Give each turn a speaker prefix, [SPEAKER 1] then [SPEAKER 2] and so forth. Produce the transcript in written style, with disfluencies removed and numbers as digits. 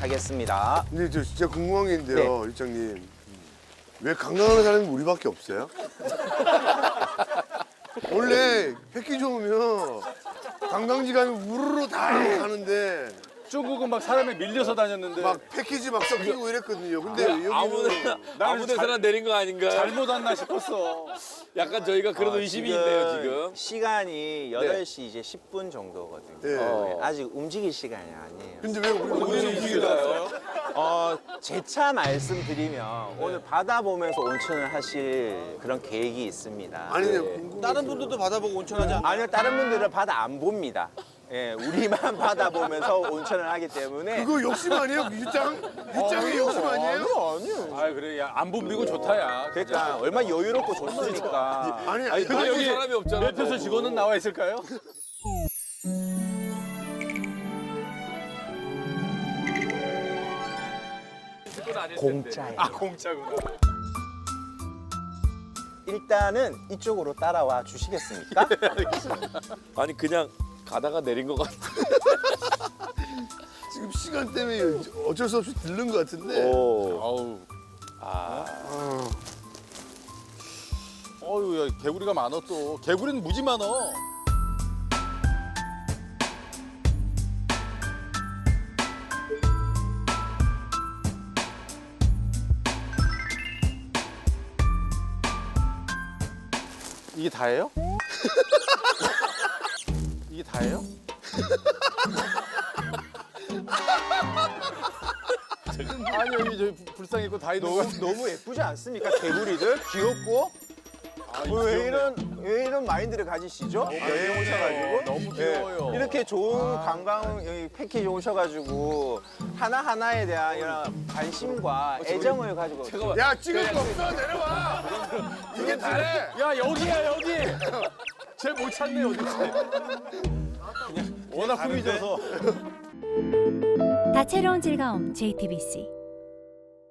[SPEAKER 1] 하겠습니다.
[SPEAKER 2] 근데 저 진짜 궁금한 게 있는데요, 일장님. 왜 관광하는 사람이 우리밖에 없어요? 원래 패키지 오면 관광지 가면 우르르 다 가는데
[SPEAKER 3] 중국은 막 사람에 밀려서 다녔는데
[SPEAKER 2] 막 패키지 막 섞이고 이랬거든요. 근데 여기는
[SPEAKER 4] 아무 데서나 내린 거 아닌가요?
[SPEAKER 3] 잘못 왔나 싶었어.
[SPEAKER 4] 약간 저희가 그런 의심이 있네요, 지금.
[SPEAKER 1] 시간이 8시 이제 10분 정도거든요.
[SPEAKER 2] 네.
[SPEAKER 1] 아직 움직일 시간이 아니에요.
[SPEAKER 2] 근데 왜 우리는
[SPEAKER 4] 움직여요?
[SPEAKER 1] 제 차 말씀드리면 오늘 바다 보면서 온천을 하실 그런 계획이 있습니다.
[SPEAKER 2] 아니 궁금해.
[SPEAKER 5] 다른 분들도 받아보고 온천하지 않나요?
[SPEAKER 1] 아니요, 다른 분들은 바다 안 봅니다. 예, 우리만 바다 보면서 온천을 하기 때문에.
[SPEAKER 2] 그거 욕심 아니에요? 윗장이 욕심 아니에요?
[SPEAKER 1] 아니요.
[SPEAKER 3] 아 그래, 야 안 붐비고 좋다 야.
[SPEAKER 1] 그러니까 얼마나 여유롭고 좋습니까.
[SPEAKER 2] 아니
[SPEAKER 3] 근데 여기
[SPEAKER 4] 사람이 없잖아.
[SPEAKER 3] 매표소 직원은 나와 있을까요?
[SPEAKER 1] 공짜예요.
[SPEAKER 3] 아 공짜구나.
[SPEAKER 1] 일단은 이쪽으로 따라와 주시겠습니까?
[SPEAKER 4] 아니 그냥 가다가 내린 것 같아.
[SPEAKER 2] 지금 시간 때문에 어쩔 수 없이 들른 것 같은데.
[SPEAKER 3] 아우.
[SPEAKER 2] 아.
[SPEAKER 3] 어유, 야 개구리가 많어 또. 개구리는 무지 많어. 이게 다예요? 이게 다예요? 아니 여기 저 불상 있고 다 있는 거.
[SPEAKER 1] 너무 예쁘지 않습니까? 개구리들 귀엽고. 왜 이런 마인드를 가지시죠? 여행 오셔가지고
[SPEAKER 3] 너무 귀여워요.
[SPEAKER 1] 이렇게 좋은 관광 여기 패키지 오셔가지고 하나 하나에 대한 이런 관심과 애정을 가지고.
[SPEAKER 2] 야 찍을 거 없어 내려와. 이게 다래.
[SPEAKER 3] 야 여기야 여기. 쟤 못 찾네 어디지? 그냥 워낙 꾸미져서.
[SPEAKER 6] 다채로운 즐거움 JTBC